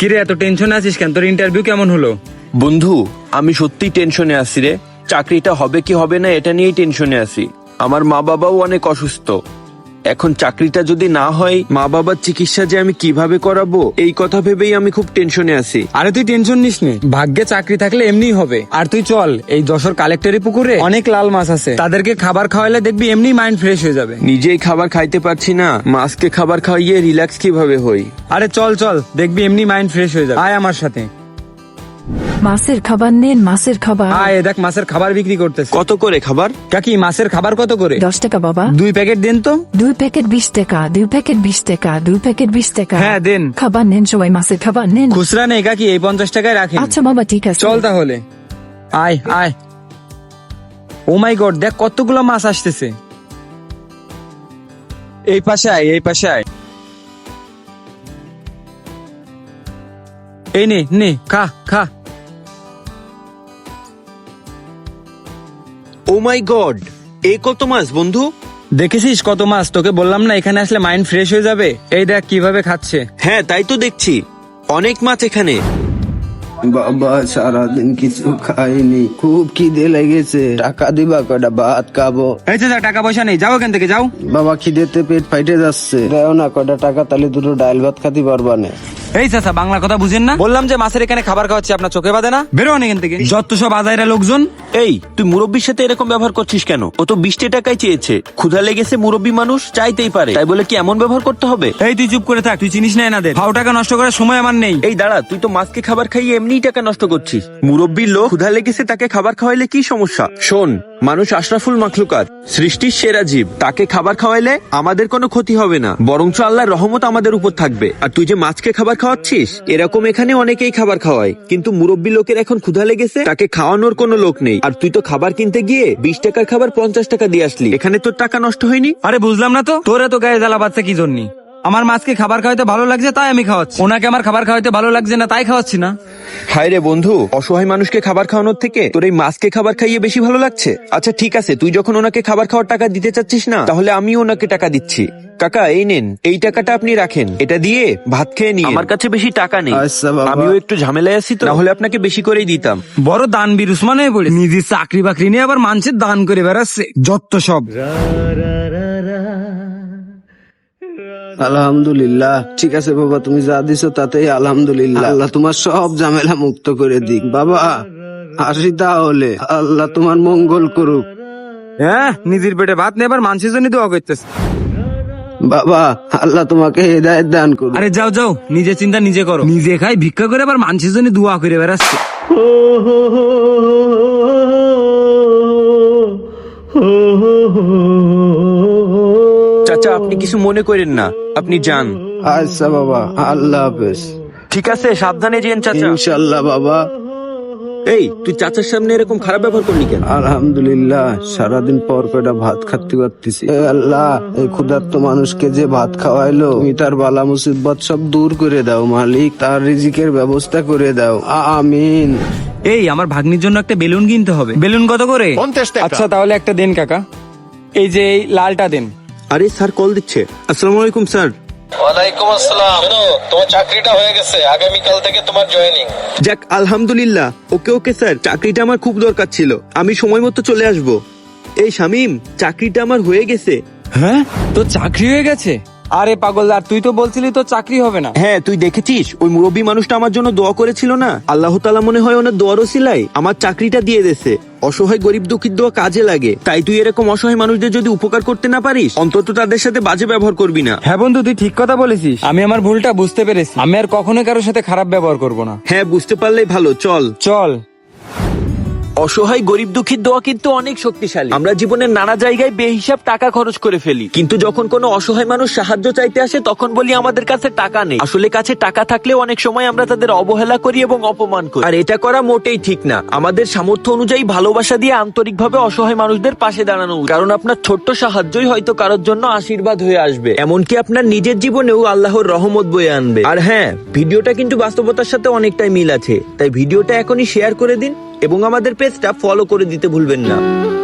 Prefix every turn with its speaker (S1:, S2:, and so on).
S1: কিরে এত টেনশনে আছিস কেন? তোর ইন্টারভিউ কেমন হলো?
S2: বন্ধু, আমি সত্যি টেনশনে আছি রে। চাকরিটা হবে কি হবে না এটা নিয়েই টেনশনে আছি। আমার মা বাবাও অনেক অসুস্থ। এখন চাকরিটা যদি না হয়, মা বাবার চিকিৎসা যে আমি কিভাবে করাবো এই কথা ভেবেই আমি খুব টেনশনে আছি।
S1: আরে তুই টেনশন নিস নে, ভাগ্যে চাকরি থাকলে এমনিই হবে। আর তুই চল, এই যশোর কালেক্টরি পুকুরে অনেক লাল মাছ আছে, তাদেরকে খাবার খাওয়ালে দেখবি এমনি মাইন্ড ফ্রেশ হয়ে যাবে।
S2: নিজেই খাবার খাইতে পারছি না, মাছকে খাবার খাইয়ে রিল্যাক্স কিভাবে হই?
S1: আরে চল চল, দেখবি এমনি মাইন্ড ফ্রেশ হয়ে যাবে। আয় আমার সাথে।
S3: মাছের খাবার নেন, মাছের খাবার।
S1: আয়, দেখ মাছের খাবার বিক্রি করতেছে।
S2: কত করে খাবার?
S1: কাকি মাছের খাবার কত করে?
S3: 10 টাকা বাবা।
S1: 2 প্যাকেট দেন তো।
S3: 2 প্যাকেট 20 টাকা, 2 প্যাকেট 20 টাকা, 2 প্যাকেট 20 টাকা।
S1: হ্যাঁ দেন।
S3: খাবার নেন সবাই, মাছের খাবার নেন।
S1: খুচরা নেই কাকি, এই 50 টাকায় রাখেন।
S3: আচ্ছা বাবা ঠিক আছে।
S1: চল তাহলে। আয় আয়। ও মাই গড, দেখ কতগুলো মাছ আসতেছে। এই পাশে আয়, এই পাশে আয়। এই নে নে, খা খা।
S2: ও মাই গড, এই কত মাছ বন্ধু?
S1: দেখেছিস কত মাছ? তোকে বললাম না এখানে আসলে মাইন্ড ফ্রেশ হয়ে যাবে। এই দেখ কিভাবে খাচ্ছে।
S2: হ্যাঁ তাই তো দেখছি, অনেক মাছ এখানে।
S4: বাবা সারাদিন কিছু খাইনি, খুব খিদে লেগেছে। টাকা দিবা কটা ভাত খাবো।
S1: এই চাচা, টাকা পয়সা নেই, যাও এখান থেকে যাও।
S4: বাবা খিদেতে পেট ফাইটে যাচ্ছে, দেও না কটা টাকা, তাহলে দুটো ডাল ভাত খাতে পারবা না।
S1: এই চাচা, বাংলা কথা বুঝেন না? বললাম যে মাছের এখানে খাবার খাওয়াচ্ছি, আপনার চোখে বাঁধে না? বেরোন এখান থেকে, যত সব আজাইরা লোকজন।
S2: এই তুই মুরব্বীর সাথে এরকম ব্যবহার করছিস কেন? ও তো 20 টাকাই চেয়েছে। ক্ষুধা লেগেছে, মুরব্বী মানুষ চাইতেই পারে, তাই বলে কি এমন ব্যবহার করতে হবে?
S1: এই তুই চুপ করে থাক, তুই চিনিস না এনাদের। ফাও টাকা নষ্ট করার সময় আমার নেই।
S2: এই দাঁড়া, তুই তো মাছকে খাবার খাইয়ে এমনিই টাকা নষ্ট করছিস। মুরব্বীর লোক, ক্ষুধা লেগেছে, তাকে খাবার খাওয়াইলে কি সমস্যা? শোন, মানুষ আশরাফুল মাখলুকাত, সৃষ্টির সেরা জীব। তাকে খাবার খাওয়াইলে আমাদের কোনো ক্ষতি হবে না, বরঞ্চ আল্লাহর রহমত আমাদের উপর থাকবে। আর তুই যে মাছকে খাবার খাওয়াচ্ছিস, এরকম এখানে অনেকেই খাবার খাওয়ায়, কিন্তু মুরব্বী লোকের এখন ক্ষুধা লেগেছে, তাকে খাওয়ানোর কোনো লোক নেই। আর তুই তো খাবার কিনতে গিয়ে 20 টাকার খাবার 50 টাকা দিয়ে আসলি, এখানে তোর টাকা নষ্ট হয়নি?
S1: আরে বুঝলাম না তো, তোরা তো গায়ে জ্বালা বাচ্চা কি জন্য? আমার মাছকে খাবার খাওয়াতে ভালো লাগছে তাই আমি খাওয়াচ্ছি, ওনাকে আমার খাবার খাওয়াতে ভালো লাগছে না তাই খাওয়াচ্ছি না।
S2: হায় রে বন্ধু, অসহায় মানুষকে খাবার খাওয়ানোর থেকে তোর এই মাছকে খাবার খাইয়ে বেশি ভালো লাগছে। আচ্ছা ঠিক আছে, তুই যখন ওনাকে খাবার খাওয়ার টাকা দিতে চাচ্ছিস না, তাহলে আমিও ওনাকে টাকা দিচ্ছি। কাকা এই নেন, এই টাকাটা আপনি রাখেন, এটা দিয়ে ভাত খেয়ে নিন। আমার কাছে বেশি টাকা নেই,
S4: আচ্ছা বাবা।
S2: আমিও একটু ঝামেলায় আছি তো, নাহলে আপনাকে বেশি করেই দিতাম।
S1: বড় দানবীর উসমান হয়ে পড়ে, নিজের চাকরি বাকরি নিয়ে আবার মানুষের দান করে বেড়াচ্ছে, যত সব।
S4: আলহামদুলিল্লাহ, ঠিক আছে বাবা, তুমি যা দিছো তাতেই আলহামদুলিল্লাহ। আল্লাহ তোমার সব ঝামেলা মুক্ত করে দিক। বাবা আসি তাহলে, আল্লাহ তোমার মঙ্গল করুক।
S1: হ্যাঁ, নিজের পেটে ভাত নেই, আবার মানুষের জন্য দোয়া করতেছে।
S4: বাবা আল্লাহ তোমাকে হেদায়েত দান করুক।
S1: আরে যাও যাও, নিজে চিন্তা নিজে করো। নিজে খাই ভিক্ষা করে আবার মানুষের জন্য দোয়া করে বেড়াচ্ছে।
S2: চাচা আপনি কিছু মনে করেন না, আপনি যান।
S4: আচ্ছা বাবা, আল্লাহ হাফেজ।
S2: ঠিক আছে, সাবধানে যেন চাচা।
S4: ইনশাল্লাহ বাবা।
S2: এই তুই চাচার সামনে এরকম খারাপ ব্যবহার করলি কেন?
S4: আলহামদুলিল্লাহ, সারাদিন পর কয়টা ভাত খাতে পারতেছি। এ আল্লাহ, এই ক্ষুধার্ত মানুষকে যে ভাত খাওয়াইলো, তুমি তার বালা মুসিবত সব দূর করে দাও মালিক, তার রিজিকের ব্যবস্থা করে দাও, আমিন।
S1: এই আমার ভাগ্নির জন্য একটা বেলুন কিনতে হবে। বেলুন কত করে?
S5: 50 টাকা।
S1: আচ্ছা তাহলে একটা দেন কাকা, এই যে এই লালটা দেন।
S2: আরে স্যার কল দিচ্ছে। আসসালামু আলাইকুম স্যার।
S6: ওয়ালাইকুম আসসালাম। শোনো, তোমার চাকরিটা হয়ে গেছে, আগামীকাল থেকে তোমার জয়েনিং।
S2: যাক আলহামদুলিল্লাহ। ওকে ওকে স্যার, চাকরিটা আমার খুব দরকার ছিল, আমি সময় মতো চলে আসব। এই শামিম, চাকরিটা আমার হয়ে গেছে।
S1: হ্যাঁ, তো চাকরি হয়ে গেছে? আরে পাগল, আর তুই তো বলছিলি তো চাকরি হবে না।
S2: হ্যাঁ তুই দেখেছিস, ওই মুরব্বী মানুষটা আমার জন্য দোয়া করেছিল না, আল্লাহ তাআলা মনে হয় ওনার দোয়ার ওসিলায় আমার চাকরিটা দিয়ে দেছে। অসহায় গরিব দুঃখীর দোয়া কাজে লাগে, তাই তুই এরকম অসহায় মানুষদের যদি উপকার করতে না পারিস, অন্তত তাদের সাথে বাজে ব্যবহার করবি না।
S1: হ্যাঁ বন্ধু, তুই ঠিক কথা বলেছিস, আমি আমার ভুলটা বুঝতে পেরেছি, আমি আর কখনোই কারোর সাথে খারাপ ব্যবহার করব না।
S2: হ্যাঁ বুঝতে পারলেই ভালো, চল
S1: চল।
S2: অসহায় গরিব দুঃখীর দোয়া কিন্তু অনেক শক্তিশালী। আমরা জীবনের নানা জায়গায় বেহিসাব টাকা খরচ করে ফেলি, কিন্তু যখন কোনো অসহায় মানুষ সাহায্য চাইতে আসে তখন বলি আমাদের কাছে টাকা নেই। আসলে কাছে টাকা থাকলেও অনেক সময় আমরা তাদের অবহেলা করি এবং অপমান করি, আর এটা করা মোটেই ঠিক না। আমাদের সামর্থ্য অনুযায়ী ভালোবাসা দিয়ে আন্তরিকভাবে অসহায় মানুষদের পাশে দাঁড়ানো উচিত। কারণ আপনার ছোট্ট সাহায্যই হয়তো কারোর জন্য আশীর্বাদ হয়ে আসবে, এমনকি আপনার নিজের জীবনেও আল্লাহর রহমত বয়ে আনবে। আর হ্যাঁ, ভিডিওটা কিন্তু বাস্তবতার সাথে অনেকটাই মিল আছে, তাই ভিডিওটা এখনই শেয়ার করে দিন এবং আমাদের পেজটা ফলো করে দিতে ভুলবেন না।